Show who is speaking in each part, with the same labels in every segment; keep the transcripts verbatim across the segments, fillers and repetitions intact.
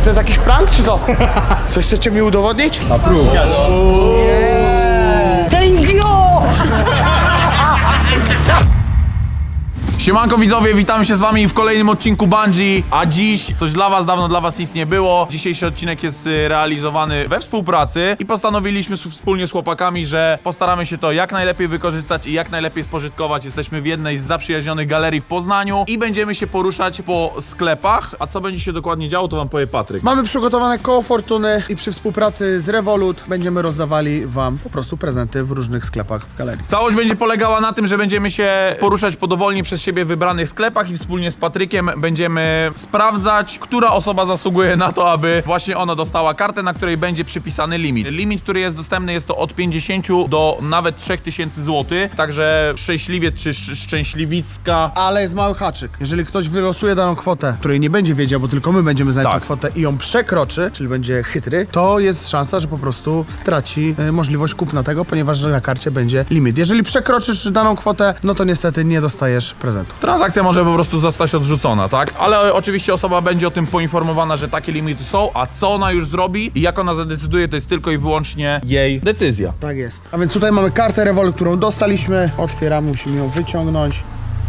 Speaker 1: to jest jakiś prank, czy to? Coś chcecie mi udowodnić?
Speaker 2: Approve.
Speaker 1: Thank you!
Speaker 2: Siemanko widzowie, witamy się z wami w kolejnym odcinku Bungie. A dziś coś dla was, dawno dla was nic nie było. Dzisiejszy odcinek jest realizowany we współpracy i postanowiliśmy wspólnie z chłopakami, że postaramy się to jak najlepiej wykorzystać i jak najlepiej spożytkować. Jesteśmy w jednej z zaprzyjaźnionych galerii w Poznaniu i będziemy się poruszać po sklepach. A co będzie się dokładnie działo, to wam powie Patryk.
Speaker 1: Mamy przygotowane koło fortuny i przy współpracy z Revolut będziemy rozdawali wam po prostu prezenty w różnych sklepach w galerii.
Speaker 2: Całość będzie polegała na tym, że będziemy się poruszać po dowolnie przez siebie wybranych sklepach i wspólnie z Patrykiem będziemy sprawdzać, która osoba zasługuje na to, aby właśnie ona dostała kartę, na której będzie przypisany limit. Limit, który jest dostępny, jest to od pięćdziesięciu do nawet trzech tysięcy złotych, także szczęśliwiec czy sz szczęśliwicka.
Speaker 1: Ale jest mały haczyk. Jeżeli ktoś wylosuje daną kwotę, której nie będzie wiedział, bo tylko my będziemy znać
Speaker 2: Tak.
Speaker 1: tę kwotę i ją przekroczy, czyli będzie chytry, to jest szansa, że po prostu straci e, możliwość kupna tego, ponieważ na karcie będzie limit. Jeżeli przekroczysz daną kwotę, no to niestety nie dostajesz prezentu.
Speaker 2: Transakcja może po prostu zostać odrzucona, tak? Ale oczywiście osoba będzie o tym poinformowana, że takie limity są, a co ona już zrobi i jak ona zadecyduje, to jest tylko i wyłącznie jej decyzja.
Speaker 1: Tak jest. A więc tutaj mamy kartę Revolut, którą dostaliśmy. Otwieramy, musimy ją wyciągnąć.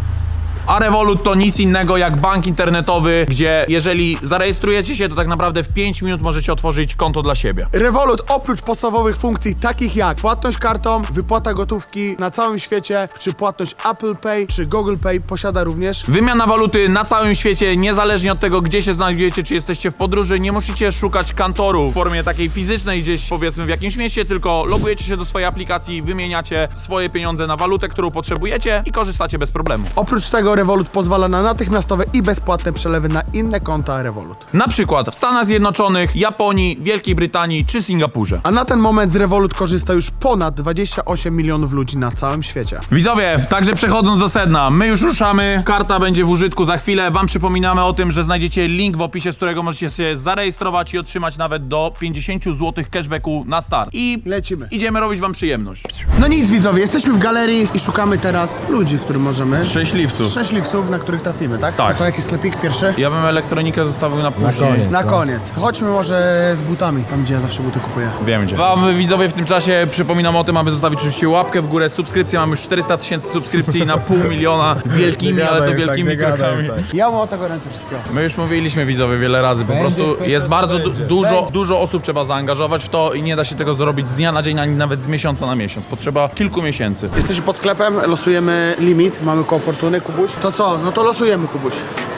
Speaker 2: A Revolut to nic innego jak bank internetowy, gdzie jeżeli zarejestrujecie się, to tak naprawdę w pięć minut możecie otworzyć konto dla siebie.
Speaker 1: Revolut oprócz podstawowych funkcji takich jak płatność kartą, wypłata gotówki na całym świecie, czy płatność Apple Pay, czy Google Pay posiada również.
Speaker 2: Wymiana waluty na całym świecie, niezależnie od tego, gdzie się znajdujecie, czy jesteście w podróży, nie musicie szukać kantoru w formie takiej fizycznej gdzieś, powiedzmy, w jakimś mieście, tylko logujecie się do swojej aplikacji, wymieniacie swoje pieniądze na walutę, którą potrzebujecie i korzystacie bez problemu.
Speaker 1: Oprócz tego Revolut pozwala na natychmiastowe i bezpłatne przelewy na inne konta Revolut.
Speaker 2: Na przykład w Stanach Zjednoczonych, Japonii, Wielkiej Brytanii czy Singapurze.
Speaker 1: A na ten moment z Revolut korzysta już ponad dwadzieścia osiem milionów ludzi na całym świecie.
Speaker 2: Widzowie, także przechodząc do sedna, my już ruszamy, karta będzie w użytku za chwilę. Wam przypominamy o tym, że znajdziecie link w opisie, z którego możecie się zarejestrować i otrzymać nawet do pięćdziesięciu złotych cashbacku na start. I
Speaker 1: Lecimy.
Speaker 2: idziemy robić wam przyjemność.
Speaker 1: No nic widzowie, jesteśmy w galerii i szukamy teraz ludzi, którym możemy...
Speaker 2: Szczęśliwców.
Speaker 1: Szczęśliwców, na których trafimy, tak?
Speaker 2: Tak.
Speaker 1: To jaki sklepik pierwszy?
Speaker 2: Ja bym elektronikę zostawił na później.
Speaker 3: koniec.
Speaker 1: Na koniec. Chodźmy może z butami, tam gdzie ja zawsze buty kupuję.
Speaker 2: Wiem gdzie. Wam widzowie w tym czasie przypominam o tym, aby zostawić oczywiście łapkę w górę, subskrypcję. Mamy już czterysta tysięcy subskrypcji na pół miliona. Wielkimi, ale to wielkimi krokami.
Speaker 1: Ja mam o tego ręce wszystkiego.
Speaker 2: My już mówiliśmy widzowie wiele razy, po
Speaker 3: Będzie
Speaker 2: prostu
Speaker 3: special,
Speaker 2: jest bardzo du
Speaker 3: będzie.
Speaker 2: dużo, dużo osób trzeba zaangażować w to i nie da się tego zrobić z dnia na dzień, ani nawet z miesiąca na miesiąc. Potrzeba kilku miesięcy.
Speaker 1: Jesteśmy pod sklepem, losujemy limit, mamy koło fortuny, Kubuś. To co? No to losujemy, Kubuś.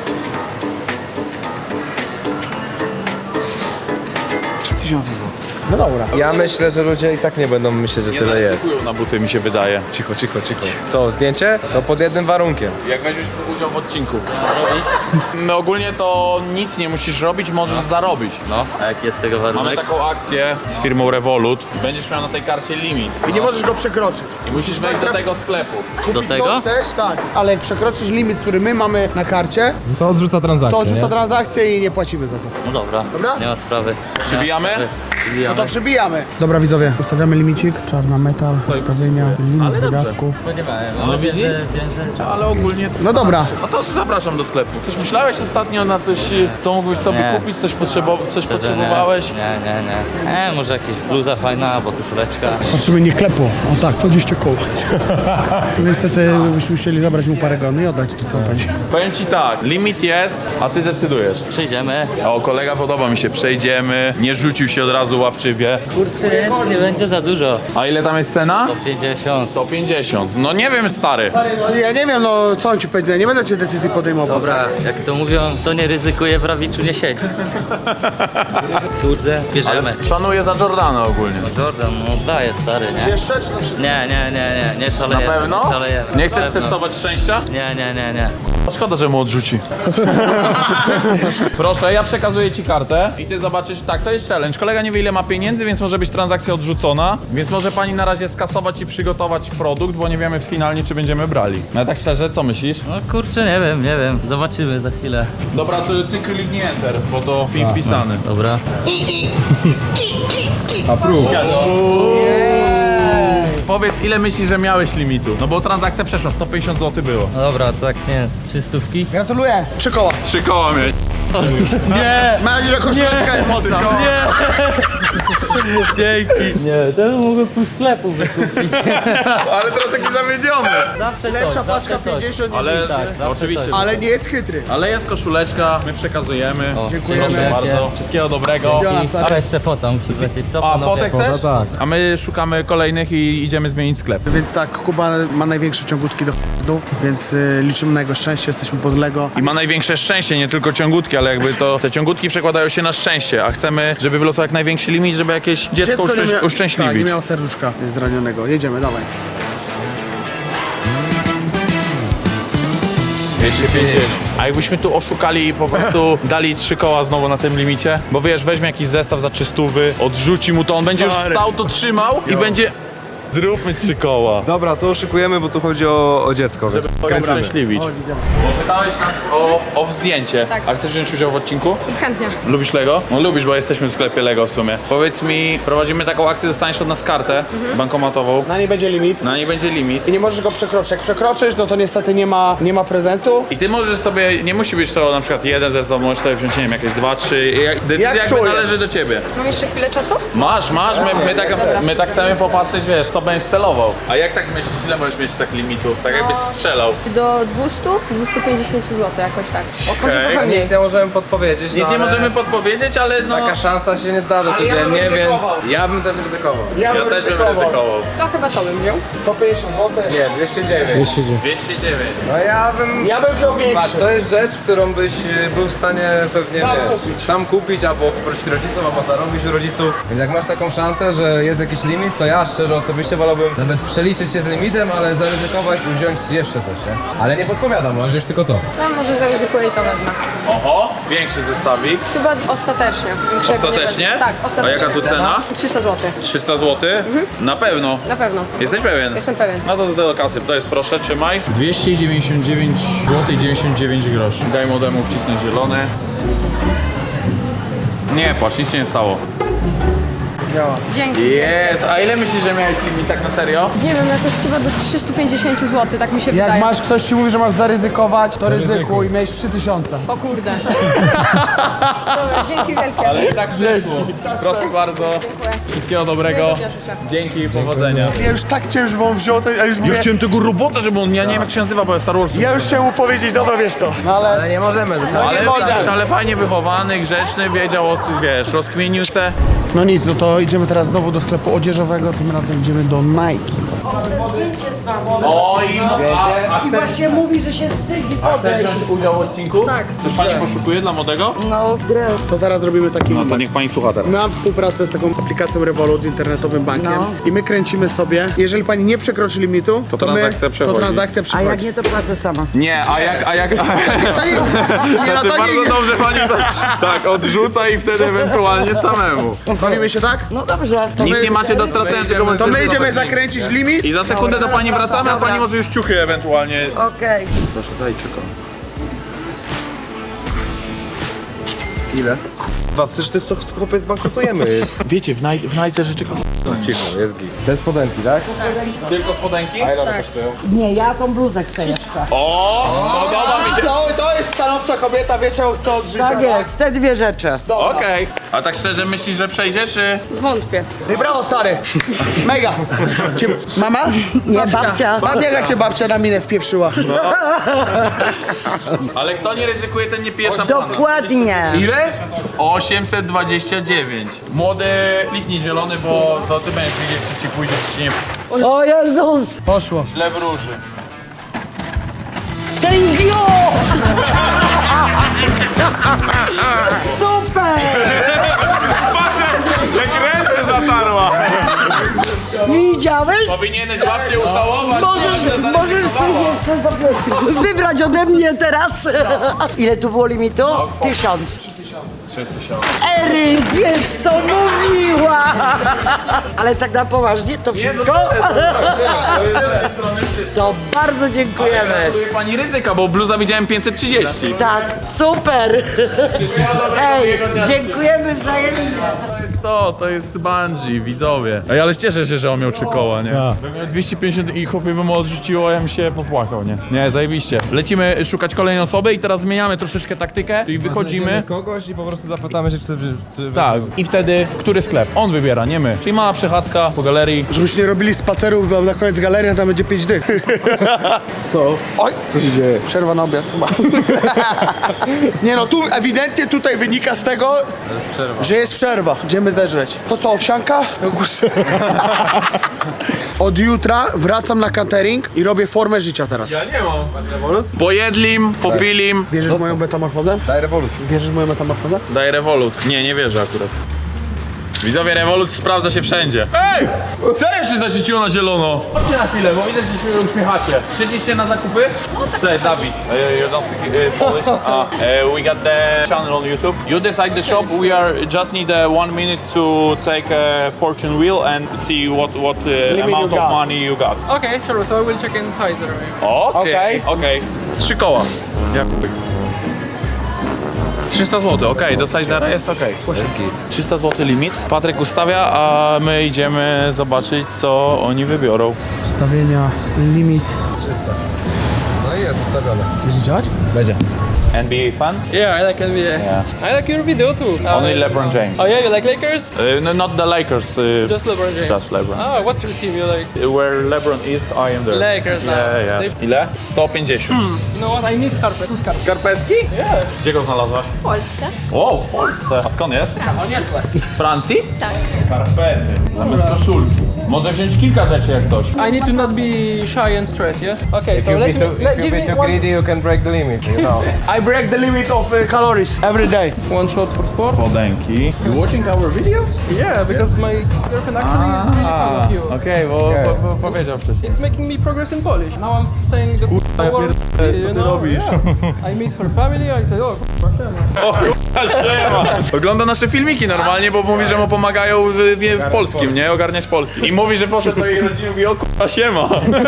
Speaker 1: trzy tysiące złotych. No dobra.
Speaker 3: Ja myślę, że ludzie i tak nie będą myśleć, że tyle jest.
Speaker 2: na buty, mi się wydaje.
Speaker 3: Cicho, cicho, cicho. Co, zdjęcie? To pod jednym warunkiem.
Speaker 2: Jak weźmiesz udział w odcinku. No ogólnie to nic nie musisz robić, możesz zarobić. No.
Speaker 4: A jaki jest tego
Speaker 2: Mamy
Speaker 4: warunek?
Speaker 2: taką akcję z firmą Revolut. Będziesz miał na tej karcie limit.
Speaker 1: I nie możesz go przekroczyć.
Speaker 2: I musisz wejść do tego sklepu.
Speaker 4: Do
Speaker 1: Co
Speaker 4: tego?
Speaker 1: chcesz? Tak. Ale jak przekroczysz limit, który my mamy na karcie,
Speaker 3: To odrzuca transakcję,
Speaker 1: to odrzuca transakcję i nie płacimy za to.
Speaker 4: No dobra,
Speaker 1: Dobra?
Speaker 4: nie ma sprawy.
Speaker 2: Przybijamy?
Speaker 4: Nie ma sprawy. Przybijamy.
Speaker 1: No to przebijamy. Dobra widzowie, ustawiamy limicik, czarna metal, ustawienia, limit wydatków.
Speaker 2: No widzisz? Ale ogólnie...
Speaker 1: No dobra.
Speaker 2: No to zapraszam do sklepu. Coś myślałeś ostatnio na coś, co mógłbyś sobie
Speaker 4: Nie.
Speaker 2: kupić? Coś, potrzebo coś
Speaker 4: Szczerze,
Speaker 2: potrzebowałeś?
Speaker 4: Nie, nie, nie. nie. E, może jakaś bluza fajna, albo koszuleczka.
Speaker 1: Patrzymy, nie klepło. O tak, dwadzieścia koło. Niestety byśmy musieli zabrać mu parę gony i oddać to, co on będzie.
Speaker 2: Powiem ci tak, limit jest, a ty decydujesz.
Speaker 4: Przyjdziemy.
Speaker 2: O, kolega podoba mi się, przejdziemy, nie rzucił się od razu łapczywie.
Speaker 4: Kurczę, nie będzie za dużo.
Speaker 2: A ile tam jest cena?
Speaker 4: sto pięćdziesiąt.
Speaker 2: sto pięćdziesiąt. No nie wiem, stary.
Speaker 1: Stary, no ja nie wiem, no co on ci powiedział, nie będę cię decyzji podejmował.
Speaker 4: Dobra, jak to mówią, to nie ryzykuje, w rawiczu nie siedzi. Kurde, bierzemy.
Speaker 2: Szanuję za Jordana ogólnie.
Speaker 4: Jordan, no daje stary, nie?
Speaker 1: Jeszcze czy to wszystko?
Speaker 4: Nie, nie, nie, nie, nie szalejemy.
Speaker 2: Na pewno?
Speaker 4: Nie szalejemy.
Speaker 2: Nie chcesz
Speaker 4: Na pewno.
Speaker 2: testować szczęścia?
Speaker 4: Nie, nie, nie, nie.
Speaker 2: Szkoda, że mu odrzuci. Proszę, ja przekazuję ci kartę i ty zobaczysz, tak, to jest challenge. Kolega nie wie ile ma pieniędzy, więc może być transakcja odrzucona, więc może pani na razie skasować i przygotować produkt, bo nie wiemy finalnie, czy będziemy brali. No tak szczerze, co myślisz?
Speaker 4: No kurczę, nie wiem, nie wiem. Zobaczymy za chwilę.
Speaker 2: Dobra, to ty kliknij enter, bo to pin wpisany.
Speaker 4: Dobra.
Speaker 3: Approve.
Speaker 2: Powiedz, ile myślisz, że miałeś limitu? No bo transakcja przeszła, sto pięćdziesiąt złotych było.
Speaker 4: No dobra, tak nie, z trzy stówki.
Speaker 1: Gratuluję. Trzy koła.
Speaker 2: Trzy koła mieć.
Speaker 4: Nie!
Speaker 1: Mam nadzieję, że koszuleczka jest mocna.
Speaker 4: Nie! Dzięki! Nie, to mogę pół sklepu wykupić.
Speaker 2: Ale teraz taki zawiedziony.
Speaker 4: Zawsze
Speaker 1: Lepsza
Speaker 4: coś,
Speaker 1: paczka
Speaker 4: zawsze coś.
Speaker 1: pięćdziesiąt niż
Speaker 2: Ale
Speaker 1: nic,
Speaker 4: tak,
Speaker 1: nie?
Speaker 4: zawsze
Speaker 2: oczywiście.
Speaker 4: coś.
Speaker 1: Ale nie jest chytry.
Speaker 2: Ale jest koszuleczka, my przekazujemy.
Speaker 1: Dziękujemy.
Speaker 2: Proszę bardzo. Wszystkiego dobrego.
Speaker 1: Jola,
Speaker 4: A
Speaker 1: stary.
Speaker 4: jeszcze fota musi lecieć. Co
Speaker 2: A,
Speaker 4: panowie?
Speaker 2: fotę chcesz?
Speaker 3: tak.
Speaker 2: A my szukamy kolejnych i idziemy zmienić sklep.
Speaker 1: Więc tak, Kuba ma największe ciągutki do ch**du, więc y, liczymy na jego szczęście, jesteśmy pod Lego.
Speaker 2: I ma największe szczęście, nie tylko ciągutki, ale jakby to te ciągutki przekładają się na szczęście, a chcemy, żeby wylosował jak największy limit, żeby jakieś dziecko,
Speaker 1: nie
Speaker 2: uszczęś-
Speaker 1: mia-
Speaker 2: uszczęśliwić.
Speaker 1: Tak, nie miał serduszka zranionego. Jedziemy, dawaj.
Speaker 2: dwieście pięćdziesiąt. A jakbyśmy tu oszukali i po prostu dali trzy koła znowu na tym limicie? Bo wiesz, weźmie jakiś zestaw za trzystówy, odrzuci mu to, on będzie już stał, to trzymał i będzie... Zróbmy trzy koła.
Speaker 3: Dobra, to oszukujemy, bo tu chodzi o, o dziecko, więc kręcimy.
Speaker 2: Uszczęśliwić. Bo pytałeś nas o, o zdjęcie.
Speaker 5: Tak.
Speaker 2: A chcesz wziąć udział w odcinku?
Speaker 5: Chętnie.
Speaker 2: Lubisz Lego? No lubisz, bo jesteśmy w sklepie Lego w sumie. Powiedz mi, prowadzimy taką akcję, dostaniesz od nas kartę bankomatową.
Speaker 1: Na niej będzie limit.
Speaker 2: Na niej będzie limit.
Speaker 1: I nie możesz go przekroczyć. Jak przekroczysz, no to niestety nie ma, nie ma prezentu.
Speaker 2: I ty możesz sobie, nie musi być to na przykład jeden zestaw, możesz sobie wziąć, nie wiem, jakieś dwa, trzy. Jak- Decyzja
Speaker 1: Jak
Speaker 2: jakby
Speaker 1: czujesz?
Speaker 2: należy do ciebie.
Speaker 5: Mam jeszcze chwilę czasu?
Speaker 2: Masz, masz, my, my, tak, my tak chcemy popatrzeć, wiesz, co będziesz celował. A jak tak myślisz, ile możesz mieć tak limitu? Tak jakbyś strzelał.
Speaker 5: Do dwieście, dwieście pięćdziesiąt złotych jakoś tak. O,
Speaker 2: Okej.
Speaker 5: może trochę mniej.
Speaker 3: Nic nie możemy podpowiedzieć.
Speaker 2: Nic
Speaker 3: no,
Speaker 2: nie
Speaker 3: ale
Speaker 2: możemy podpowiedzieć, ale no...
Speaker 3: Taka szansa się nie zdarza
Speaker 1: ja bym
Speaker 3: codziennie, więc
Speaker 1: ryzykował.
Speaker 3: ja bym też ryzykował.
Speaker 2: Ja też bym ryzykował.
Speaker 5: To chyba to bym wziął.
Speaker 1: sto pięćdziesiąt złotych.
Speaker 3: Nie, dwieście dziewięć.
Speaker 2: dwieście dziewięć.
Speaker 3: No ja bym...
Speaker 1: Ja bym wziął
Speaker 3: Patrz,
Speaker 1: większy.
Speaker 3: to jest rzecz, którą byś y, był w stanie pewnie
Speaker 1: Sam
Speaker 3: wiesz,
Speaker 1: kupić.
Speaker 3: sam kupić albo poprosić rodziców, albo zarobić u rodziców. Więc jak masz taką szansę, że jest jakiś limit, to ja szczerze osobiście wolałbym nawet przeliczyć się z limitem, ale zaryzykować i wziąć jeszcze coś, nie? Ale nie podpowiadam, możesz wziąć tylko to.
Speaker 5: No może zaryzykuję i to wezmę.
Speaker 2: Oho, większy zestawik.
Speaker 5: Chyba ostatecznie. Większego nie
Speaker 2: Ostatecznie?
Speaker 5: wezmę. Tak, ostatecznie.
Speaker 2: A jaka tu cena?
Speaker 5: trzysta złotych.
Speaker 2: trzysta złotych? Na pewno.
Speaker 5: Na pewno.
Speaker 2: Jesteś pewien?
Speaker 5: Jestem pewien.
Speaker 2: No to do kasy, to jest proszę, trzymaj. dwieście dziewięćdziesiąt dziewięć złotych dziewięćdziesiąt dziewięć groszy. Daj młodemu wcisnąć zielone. Nie płacz, nic się nie stało.
Speaker 5: Dzięki.
Speaker 2: Jest, a ile myślisz, że miałeś limit tak na serio?
Speaker 5: Nie wiem, jakoś chyba do trzysta pięćdziesiąt złotych, tak mi się
Speaker 1: Jak
Speaker 5: wydaje.
Speaker 1: masz, ktoś ci mówi, że masz zaryzykować, to ryzykuj. Miałeś trzy tysiące.
Speaker 5: O kurde. Dobra, dzięki wielkie.
Speaker 2: Ale i tak przeszło. Proszę bardzo.
Speaker 5: Dziękuję.
Speaker 2: Wszystkiego dobrego.
Speaker 5: Miłego dnia życzę.
Speaker 2: Dzięki i powodzenia.
Speaker 1: Ja już tak chciałem, żeby on wziął ten, a już mówię,
Speaker 2: Ja chciałem tego robota, żeby on, ja nie wiem jak się nazywa, bo ja Star Wars.
Speaker 1: ja już chciałem mu powiedzieć, dobra, wiesz to. No ale...
Speaker 3: Ale nie możemy.
Speaker 2: Ale,
Speaker 1: nie możesz.
Speaker 2: ale fajnie wychowany, grzeczny, wiedział o tym, wiesz, rozkminił se.
Speaker 1: No nic, no to idziemy teraz znowu do sklepu odzieżowego, tym razem idziemy do Nike.
Speaker 2: O i a, a
Speaker 6: I właśnie mówi, że się wstydzi
Speaker 2: Chcesz
Speaker 6: podejść.
Speaker 2: wziąć udział w odcinku?
Speaker 5: Tak.
Speaker 2: Coś pani poszukuje dla młodego?
Speaker 6: No, dres.
Speaker 1: To teraz robimy taki
Speaker 2: No to niech pani słucha teraz.
Speaker 1: Mam współpracę z taką aplikacją Revolut, internetowym bankiem
Speaker 6: No.
Speaker 1: i my kręcimy sobie, jeżeli pani nie przekroczy limitu, to,
Speaker 2: transakcja
Speaker 1: my,
Speaker 2: przechodzi.
Speaker 1: to transakcja
Speaker 6: A
Speaker 1: przychodzi.
Speaker 6: jak nie, to płacę sama.
Speaker 2: Nie, a jak, a jak...
Speaker 1: To nie, nie, no
Speaker 2: Znaczy
Speaker 1: to
Speaker 2: bardzo
Speaker 1: nie,
Speaker 2: dobrze pani to, tak odrzuca i wtedy ewentualnie samemu.
Speaker 1: bawimy się tak?
Speaker 6: No dobrze. To
Speaker 2: Nic
Speaker 1: my-
Speaker 2: nie macie do stracenia, tylko
Speaker 1: To
Speaker 2: możecie
Speaker 1: my idziemy
Speaker 2: zostać.
Speaker 1: zakręcić limit.
Speaker 2: I za sekundę do pani wracamy, a pani może już ciuchy ewentualnie...
Speaker 6: Okej.
Speaker 2: Proszę, daj ciucho.
Speaker 3: Ile? Dwa, przecież to jest chłopiec, bankrutujemy. Jest.
Speaker 2: Wiecie, w, naj, w najce rzeczy...
Speaker 3: Cicho, jest git. Te spodenki, tak?
Speaker 2: Tylko spodenki?
Speaker 3: A ile one kosztują?
Speaker 6: Nie, ja tą bluzę chcę jeszcze.
Speaker 2: O, podoba mi się.
Speaker 1: To, to jest stanowcza kobieta, wie czego chce od życia.
Speaker 6: Tak jest, te dwie rzeczy.
Speaker 2: Okej. A tak szczerze myślisz, że przejdzie, czy...
Speaker 5: Wątpię.
Speaker 1: Ty brawo, stary. Mega. Cię, mama?
Speaker 6: Nie, babcia.
Speaker 1: Babcia, jak cię babcia na minę wpieprzyła.
Speaker 2: Ale kto nie ryzykuje, ten nie pije szampana.
Speaker 6: Dokładnie.
Speaker 2: Ile? osiemset dwadzieścia dziewięć. Młody, kliknij zielony, bo to ty będziesz wiedzieć, czy ci pójdzie, czy ci nie
Speaker 6: O Jezus!
Speaker 1: Poszło.
Speaker 2: źle wróży.
Speaker 6: Thank you! Super!
Speaker 2: Jak ręce zatarła!
Speaker 6: Widziałeś?
Speaker 2: Powinieneś babcię ucałować.
Speaker 6: Możesz,
Speaker 2: babcia
Speaker 6: możesz sobie
Speaker 2: zaryzykowała.
Speaker 6: jeszcze wybrać ode mnie teraz. Ile tu było limitu? Tysiąc.
Speaker 2: trzy tysiące.
Speaker 6: Ery, wiesz co mówiła! Ale tak na poważnie, to wszystko? To bardzo dziękujemy.
Speaker 2: Gratuluję pani ryzyka, bo bluza widziałem pięćset trzydzieści.
Speaker 6: Tak, super! Hej, dziękujemy wzajemnie.
Speaker 2: To jest to, to jest bungee, widzowie. Ej, ale cieszę się, że on miał trzy koła, nie? Bym miał dwieście pięćdziesiąt i chłopie by mu odrzuciło, a ja bym się popłakał, nie? Nie, zajebiście. Lecimy szukać kolejnej osoby i teraz zmieniamy troszeczkę taktykę, czyli wychodzimy.
Speaker 3: kogoś i po prostu zapytamy się, czy... czy
Speaker 2: Tak, i wtedy, który sklep? On wybiera, nie my. Czyli mała przechadzka po galerii.
Speaker 1: Żebyście nie robili spaceru, bo na koniec galerii, a tam będzie pięć dych.
Speaker 3: Co?
Speaker 1: Oj, co się dzieje? Przerwa na obiad chyba. Nie no, tu ewidentnie tutaj wynika z tego,
Speaker 3: przerwa.
Speaker 1: że jest przerwa. Idziemy zeżreć. To co, owsianka? No kurczę. Od jutra wracam na catering i robię formę życia teraz.
Speaker 2: Ja nie mam. Pojedlim, popilim.
Speaker 1: Wierzysz w moją metamorfozę?
Speaker 3: Daj rewolucję.
Speaker 1: Wierzysz w moją metamorfozę?
Speaker 2: Daj Revolut. Nie, nie wierzę akurat. Widzowie, Revolut sprawdza się wszędzie. Ej! Serio się zaświeciło na zielono. Chodźcie na chwilę, bo widać, że się uśmiechacie. Przyszliście na zakupy? Cześć, Dawid. Uh, you don't speak uh, Polish? Uh, uh, we got the channel on YouTube. You decide the shop. We are just need uh, one minute to take a fortune wheel and see what what uh, amount of money you got.
Speaker 7: Okay, sure. So I will check inside the room.
Speaker 2: Okej, okej. Trzy koła. Jak trzysta złotych, okej, do Sizera jest okej. trzysta złotych limit. Patryk ustawia, a my idziemy zobaczyć, co oni wybiorą.
Speaker 1: Stawienia, limit.
Speaker 3: No i jest ustawione.
Speaker 1: Będzie działać?
Speaker 2: Będzie. N B A fan?
Speaker 7: Yeah, I like N B A. I like your video too.
Speaker 2: Only
Speaker 7: Uh,
Speaker 2: LeBron James.
Speaker 7: Oh yeah, you like Lakers?
Speaker 2: Uh, no, not the Lakers, uh,
Speaker 7: Just LeBron James.
Speaker 2: just LeBron.
Speaker 7: Oh, what's your team you like?
Speaker 2: Where LeBron is, I am there.
Speaker 7: Lakers now.
Speaker 2: Yeah, yes. Ile? sto pięćdziesiąt.
Speaker 7: You know what? I need scarpet. Two scarpet.
Speaker 2: Skarpetki?
Speaker 7: Yeah.
Speaker 2: Gdzie go znalazłaś?
Speaker 5: W Polsce.
Speaker 2: O, w Polsce. A skąd jest? Z Francji?
Speaker 5: Tak.
Speaker 2: Skarpety. Zamiast koszulki. Może wziąć kilka rzeczy jak coś.
Speaker 7: I need to not be shy and stressed. Yes. Okay. So
Speaker 3: If you
Speaker 7: let
Speaker 3: be
Speaker 7: me.
Speaker 3: too,
Speaker 7: Let,
Speaker 3: if you
Speaker 7: give
Speaker 3: be
Speaker 7: me
Speaker 3: too
Speaker 7: one,
Speaker 3: greedy, you can break the limit, you know.
Speaker 1: I break the limit of uh, calories every day.
Speaker 7: one shot for sport.
Speaker 2: Spodenki. You watching our video?
Speaker 7: Yeah, because my girlfriend actually is really fan of you.
Speaker 2: Okej, bo po, po, powiedział wcześniej.
Speaker 7: It's making me progress in Polish. Now I'm saying the
Speaker 2: ja
Speaker 7: word.
Speaker 2: pierdolę, co
Speaker 7: you
Speaker 2: ty
Speaker 7: know?
Speaker 2: robisz?
Speaker 7: Yeah. I meet her family. I say, oh, k***a,
Speaker 2: O kurwa, siema. Ogląda nasze filmiki normalnie, bo mówi, że mu pomagają w, w, w polskim, nie? Ogarniać polski. I mówi, że poszedł do jej rodziny i mówi, o kurwa, siema.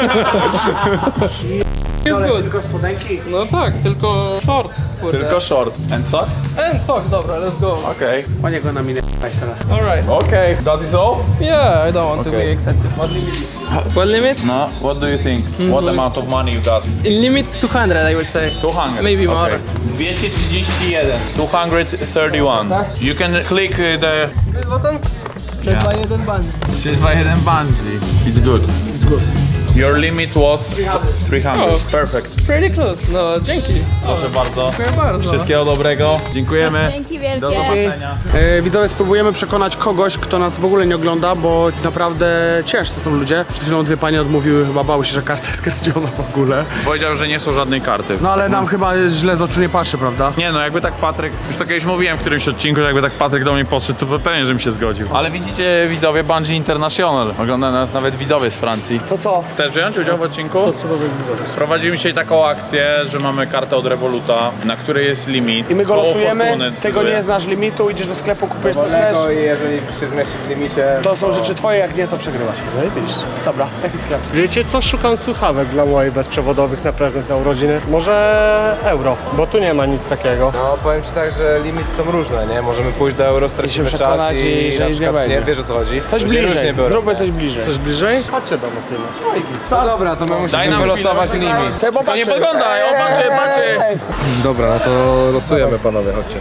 Speaker 7: It's good.
Speaker 1: Tylko spodenki.
Speaker 7: No tak, tylko short. Kurde.
Speaker 2: Tylko short. And socks?
Speaker 7: And fuck, dobra, let's go.
Speaker 2: Okej.
Speaker 1: Panie go na minę teraz.
Speaker 7: Alright.
Speaker 2: Okej, that is all?
Speaker 7: Yeah, I don't want to
Speaker 2: Okay.
Speaker 7: be excessive. What limit is? What limit?
Speaker 2: No, what do you think? What amount of money you got?
Speaker 7: In limit two hundred, I would say.
Speaker 2: two hundred.
Speaker 7: Maybe more.
Speaker 2: Okay. dwieście trzydzieści jeden. two thirty one. You can click uh, the...
Speaker 7: Button? trzy dwa jeden ban.
Speaker 2: trzy dwa jeden bungee. It's good. It's good. Your limit was three hundred.
Speaker 7: Oh.
Speaker 2: Perfect.
Speaker 7: Pretty close. No, dzięki.
Speaker 2: Proszę bardzo.
Speaker 7: Dziękuję bardzo.
Speaker 2: Wszystkiego dobrego. Dziękujemy.
Speaker 5: Dzięki wielkie.
Speaker 2: Do zobaczenia.
Speaker 1: E, widzowie, spróbujemy przekonać kogoś, kto nas w ogóle nie ogląda, bo naprawdę ciężcy są ludzie. Przed chwilą dwie panie odmówiły, chyba bały się, że karta jest kradziona w ogóle.
Speaker 2: Powiedział, że nie są żadnej karty.
Speaker 1: No ale nam chyba źle z oczu nie patrzy, prawda?
Speaker 2: Nie no, jakby tak Patryk, już to kiedyś mówiłem w którymś odcinku, że jakby tak Patryk do mnie podszedł, to pewnie, żebym się zgodził. Ale widzicie, widzowie Bungee International. Ogląda nas nawet widzowie z Francji.
Speaker 1: To co?
Speaker 2: Chcesz wziąć udział w odcinku? Prowadzimy dzisiaj taką akcję, że mamy kartę od Revoluta, na której jest limit.
Speaker 1: I my go
Speaker 2: Koło
Speaker 1: losujemy,
Speaker 2: fortuny
Speaker 1: tego
Speaker 2: decyduje.
Speaker 1: nie znasz limitu, idziesz do sklepu, kupujesz co chcesz.
Speaker 3: Wolnego i jeżeli się zmieścisz w limicie,
Speaker 1: To są rzeczy twoje, jak nie, to przegrywasz.
Speaker 8: Zajebiście.
Speaker 1: Dobra, jaki sklep?
Speaker 8: Wiecie co? Szukam słuchawek dla mojej bezprzewodowych na prezent na urodziny. Może euro, bo tu nie ma nic takiego.
Speaker 3: no powiem ci tak, że limity są różne, nie? Możemy pójść do euro, stracimy czas
Speaker 1: przekonać
Speaker 3: i,
Speaker 1: i że
Speaker 3: na
Speaker 1: nic nie
Speaker 3: przykład,
Speaker 1: będzie.
Speaker 3: nie, wiesz o co chodzi?
Speaker 1: Coś
Speaker 3: Ludzie różnie
Speaker 1: bliżej,
Speaker 3: biorą,
Speaker 1: zróbmy
Speaker 3: nie?
Speaker 1: coś bliżej.
Speaker 8: Coś bliżej? Chodźcie do Motyla.
Speaker 3: No dobra, to my musimy
Speaker 2: nam
Speaker 3: wylosować
Speaker 2: chwilę.
Speaker 3: limit.
Speaker 2: To nie podglądaj, o patrzcie, patrzcie!
Speaker 3: Dobra, no to losujemy panowie, chodźcie.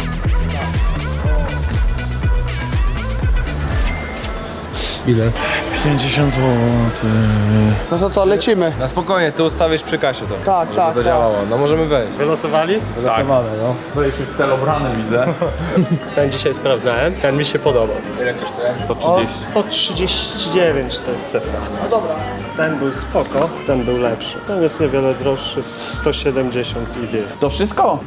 Speaker 3: Ile?
Speaker 2: pięćdziesiąt złotych.
Speaker 1: No to co, lecimy.
Speaker 3: Na spokojnie, ty ustawisz przy kasie to.
Speaker 1: Tak,
Speaker 3: żeby
Speaker 1: tak,
Speaker 3: to
Speaker 1: tak.
Speaker 3: działało. No możemy wejść.
Speaker 8: Wylosowali?
Speaker 3: Wylosowane, no.
Speaker 2: Byłeś już celobrany, widzę.
Speaker 8: Ten dzisiaj sprawdzałem, ten mi się podobał.
Speaker 3: Ile kosztuje?
Speaker 2: To
Speaker 8: O
Speaker 2: trzydzieści.
Speaker 8: sto trzydzieści dziewięć to jest setka. No dobra. Ten był spoko, ten był lepszy. Ten jest niewiele droższy, sto siedemdziesiąt i dyr.
Speaker 2: To wszystko?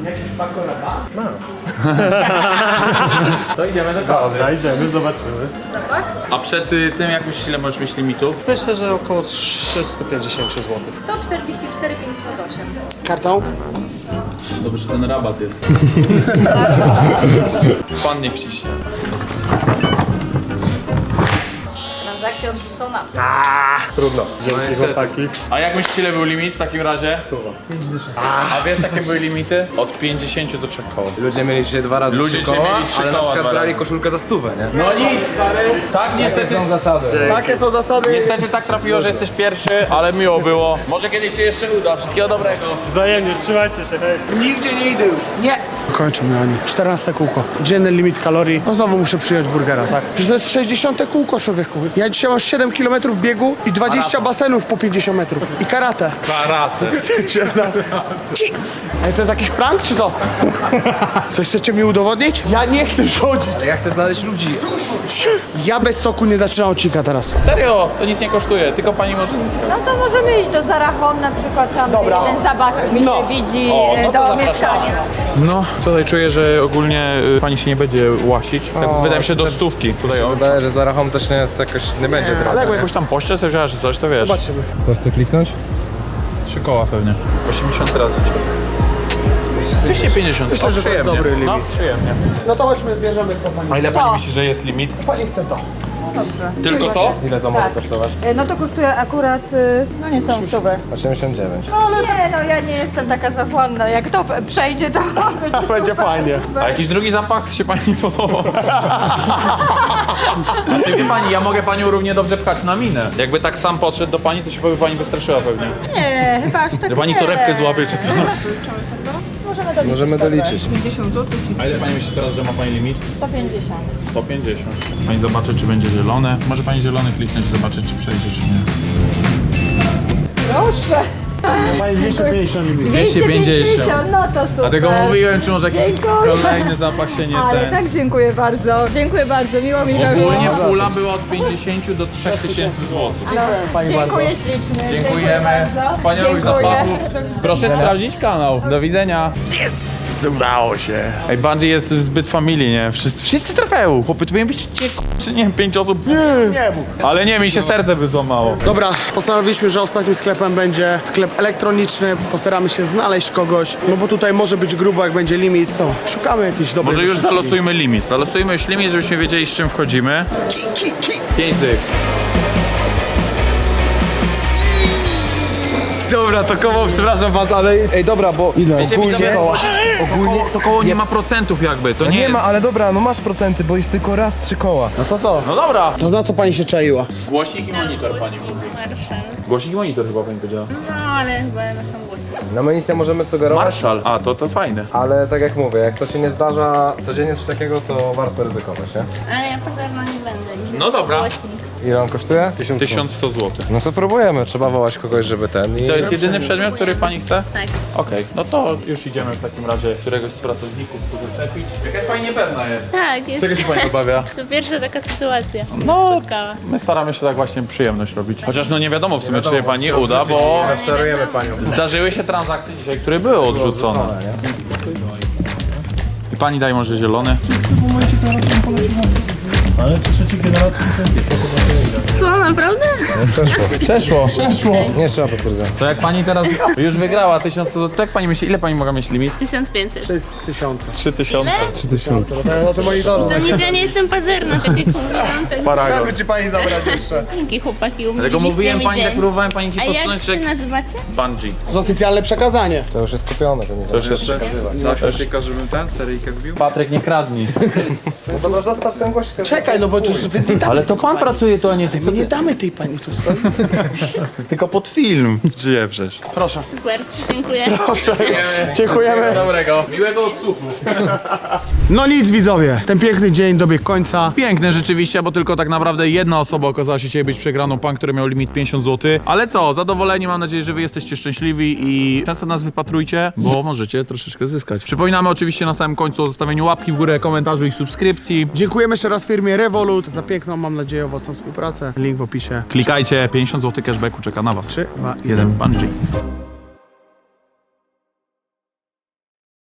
Speaker 2: To idziemy do kawy.
Speaker 8: Dobra, idziemy, zobaczymy.
Speaker 2: A przed y, tym jak myślisz, ile możesz mieć limitu?
Speaker 8: Myślę, że około trzysta pięćdziesiąt złotych.
Speaker 5: sto czterdzieści cztery pięćdziesiąt osiem.
Speaker 1: Kartą?
Speaker 2: Dobrze, że ten rabat jest. Pan nie wciśnie.
Speaker 5: Transakcja odrzucona.
Speaker 3: Trudno.
Speaker 8: Dzięki chłopaki.
Speaker 2: A jak myślicie, ile był limit w takim razie? A wiesz, jakie były limity? Od pięćdziesięciu do trzech koła.
Speaker 3: Ludzie mieli dzisiaj dwa razy
Speaker 2: Ludzie
Speaker 3: trzy
Speaker 2: dzisiaj
Speaker 3: koła,
Speaker 2: mieli trzy
Speaker 3: ale na
Speaker 2: koła
Speaker 3: przykład
Speaker 2: dwa
Speaker 3: brali
Speaker 2: razy.
Speaker 3: koszulkę za stówę, nie?
Speaker 2: No nic, stary. Tak, niestety.
Speaker 3: Są zasady.
Speaker 1: Takie są zasady.
Speaker 2: Niestety tak trafiło, że jesteś pierwszy, ale miło było. Może kiedyś się jeszcze uda. Wszystkiego dobrego.
Speaker 8: Wzajemnie, trzymajcie się, hej.
Speaker 1: Nigdzie nie idę już. Nie. Kończymy, Ani. czternaste kółko. Dzienny limit kalorii. No znowu muszę przyjąć burgera, tak? Przecież to jest sześćdziesiąte kółko, człowieku. Ja dzisiaj mam siedem kilometrów biegu i dwadzieścia basenów po pięćdziesiąt metrów. I karate.
Speaker 2: Karate.
Speaker 1: Ale to jest jakiś prank, czy to? Coś chcecie mi udowodnić? Ja nie chcę rządzić.
Speaker 3: Ja chcę znaleźć ludzi.
Speaker 1: Ja bez soku nie zaczynam odcinka teraz.
Speaker 2: Serio, to nic nie kosztuje, tylko pani może zyskać.
Speaker 5: No to możemy iść do Zara Home na przykład tam
Speaker 1: Dobra.
Speaker 5: jeden zapach mi
Speaker 1: No.
Speaker 5: się widzi
Speaker 2: O, no to
Speaker 5: do
Speaker 2: zapraszamy.
Speaker 5: mieszkania.
Speaker 2: No, tutaj czuję, że ogólnie y, pani się nie będzie łasić. Tak wydaje mi się do stówki. Tutaj o.
Speaker 3: Wydaje, że Zara Home też nie jest jakoś, nie będzie drogo.
Speaker 2: Ale jakby
Speaker 3: nie?
Speaker 2: jakoś tam pościel sobie wzięła, czy coś, to wiesz.
Speaker 1: Zobaczymy.
Speaker 3: Ktoś chce kliknąć?
Speaker 2: Trzy koła pewnie. osiemdziesiąt razy. dwieście pięćdziesiąt.
Speaker 1: Myślę, że to jest dobry limit.
Speaker 2: No, przyjemnie.
Speaker 1: No to chodźmy, bierzemy co pani.
Speaker 2: A ile pani myśli, że jest limit?
Speaker 1: Pani chce to.
Speaker 5: Dobrze.
Speaker 2: Tylko to?
Speaker 3: Ile to może kosztować?
Speaker 5: E, No to kosztuje akurat, y, no niecałą stówę.
Speaker 3: osiemdziesiąt dziewięć.
Speaker 5: Nie no, ja nie jestem taka zachłanna. Jak to p- przejdzie, to będzie
Speaker 1: Będzie fajnie.
Speaker 2: A jakiś drugi zapach się pani podobał? A ty wie pani, ja mogę panią równie dobrze pchać na minę. Jakby tak sam podszedł do pani, to się by pani wystraszyła pewnie.
Speaker 5: Nie, chyba aż tak
Speaker 2: Że pani
Speaker 5: nie.
Speaker 2: torebkę złapie, czy co?
Speaker 5: Możemy doliczyć.
Speaker 3: Możemy doliczyć.
Speaker 2: A ile pani myśli teraz, że ma pani limit?
Speaker 5: sto pięćdziesiąt.
Speaker 2: sto pięćdziesiąt. Pani zobaczy, czy będzie zielone. Może pani zielony kliknąć i zobaczyć, czy przejdzie, czy nie.
Speaker 5: Proszę.
Speaker 1: Pani dwieście pięćdziesiąt limit.
Speaker 2: dwieście pięćdziesiąt.
Speaker 5: No to super.
Speaker 2: Dlatego mówiłem, czy może jakiś
Speaker 5: Dziękuję.
Speaker 2: kolejny zapach się nie
Speaker 5: Ale
Speaker 2: ten.
Speaker 5: tak dziękuję bardzo. Dziękuję bardzo, miło mi to było.
Speaker 2: Ogólnie pula była od pięćdziesięciu do trzech tysięcy złotych.
Speaker 1: Pani
Speaker 5: Dziękuję
Speaker 1: bardzo.
Speaker 5: ślicznie.
Speaker 2: Dziękujemy.
Speaker 5: bardzo.
Speaker 2: Wspaniałych
Speaker 5: Dziękuję.
Speaker 2: zapachów. Proszę sprawdzić kanał. Do widzenia. Yes! Udało się. Ej, Bungie jest zbyt familii, nie? Wszyscy, wszyscy trafiają. Chłopy, tu powinien być, czy nie wiem, pięć osób.
Speaker 1: Nie mógł.
Speaker 2: Ale nie, mi się serce by złamało.
Speaker 1: Dobra, postanowiliśmy, że ostatnim sklepem będzie sklep elektroniczny. Postaramy się znaleźć kogoś, no bo tutaj może być grubo, jak będzie limit. Co? Szukamy jakiejś dobrej
Speaker 2: Może już
Speaker 1: wyszywki.
Speaker 2: zalosujmy limit. Zalosujmy już limit, żebyśmy wiedzieli, z czym wchodzimy. Pięć dych.
Speaker 3: Dobra, to koło, przepraszam was, ale... Ej, dobra, bo... Ile?
Speaker 2: Wiecie, widzowie, ogólnie to koło nie ma procentów jakby, to nie,
Speaker 9: Nie
Speaker 2: jest...
Speaker 9: ma, ale dobra, no masz procenty, bo jest tylko raz trzy koła.
Speaker 1: No to co?
Speaker 2: No dobra.
Speaker 1: To na co pani się czaiła?
Speaker 2: Głośnik i monitor pani mówi. Głośnik i monitor chyba pani powiedziała.
Speaker 10: No, ale chyba na sam głos.
Speaker 3: No my nic nie możemy sugerować,
Speaker 2: Marszal. A, to to fajne.
Speaker 3: ale tak jak mówię, jak to się nie zdarza codziennie coś takiego, to warto ryzykować, nie?
Speaker 10: Ale ja pazerna nie będę.
Speaker 2: No dobra.
Speaker 10: Głośnik.
Speaker 3: Ile on kosztuje? Tysiąc.
Speaker 2: tysiąc sto złotych.
Speaker 3: No to próbujemy, trzeba wołać kogoś, żeby ten i...
Speaker 2: To jest jedyny przedmiot, który pani chce?
Speaker 10: Tak.
Speaker 2: Okej, no to już idziemy w takim razie któregoś z pracowników tu doczepić. Jakaś pani niepewna jest.
Speaker 10: Tak, jest.
Speaker 2: Czego się pani obawia?
Speaker 10: To pierwsza taka sytuacja.
Speaker 2: No,
Speaker 10: Spotkała.
Speaker 2: my staramy się tak właśnie przyjemność robić. Chociaż no nie wiadomo w sumie, czy się pani uda, bo
Speaker 3: Czarujemy panią.
Speaker 2: zdarzyły się transakcje dzisiaj, które były odrzucone. I pani daj może zielony.
Speaker 8: Ale trzeciej generacji to...
Speaker 10: Co, naprawdę?
Speaker 2: Przeszło.
Speaker 3: Nie trzeba potwierdzenia.
Speaker 2: To jak pani teraz już wygrała tysiąc sto złotych, to jak pani myśli, ile pani mogła mieć limit?
Speaker 10: tysiąc pięćset.
Speaker 1: To jest tysiące.
Speaker 2: trzy tysiące.
Speaker 1: No to no to monitorze.
Speaker 10: To nic, ja nie jestem pazerna, tak jak mówiłam. Tak.
Speaker 2: Paragon.
Speaker 1: Chciałby ci pani zabrać jeszcze.
Speaker 10: Dzięki chłopaki,
Speaker 2: Dlatego
Speaker 10: umówiliście
Speaker 2: mówiłem
Speaker 10: mi
Speaker 2: pani, tak
Speaker 10: dzień.
Speaker 2: próbowałem pani
Speaker 10: A jak
Speaker 2: podsunąć,
Speaker 10: się
Speaker 2: że
Speaker 10: nazywacie?
Speaker 2: bungee.
Speaker 1: To jest oficjalne przekazanie.
Speaker 3: To już jest kupione, to nie
Speaker 2: To już jest
Speaker 11: Tylko żebym ten seryjkę wbił.
Speaker 2: Patryk, nie kradnij.
Speaker 3: No dobra, zostaw ten gość.
Speaker 1: Czekaj, no bo to już wy nie damy,
Speaker 2: Ale to pan pracuje tu, a nie ty.
Speaker 1: my nie damy tej pani tu stoi.
Speaker 2: To jest tylko pod film. Żyje przecież.
Speaker 1: Proszę.
Speaker 10: Super, dziękuję.
Speaker 1: Proszę. Dziękujemy.
Speaker 2: Dobrego. Miłego odsłuchu.
Speaker 1: No nic widzowie, ten piękny dzień dobiegł końca.
Speaker 2: Piękne rzeczywiście, bo tylko tak naprawdę jedna osoba okazała się dzisiaj być przegraną, pan, który miał limit pięćdziesiąt złotych. Ale co, zadowoleni, mam nadzieję, że wy jesteście szczęśliwi i często nas wypatrujcie, bo możecie troszeczkę zyskać. Przypominamy oczywiście na samym końcu o zostawieniu łapki w górę, komentarzu i subskrypcji.
Speaker 1: Dziękujemy jeszcze raz firmie Revolut za piękną, mam nadzieję, owocną współpracę. Link w opisie.
Speaker 2: Klikajcie, pięćdziesiąt złotych cashbacku czeka na was.
Speaker 1: trzy, dwa,
Speaker 2: Jeden bungee.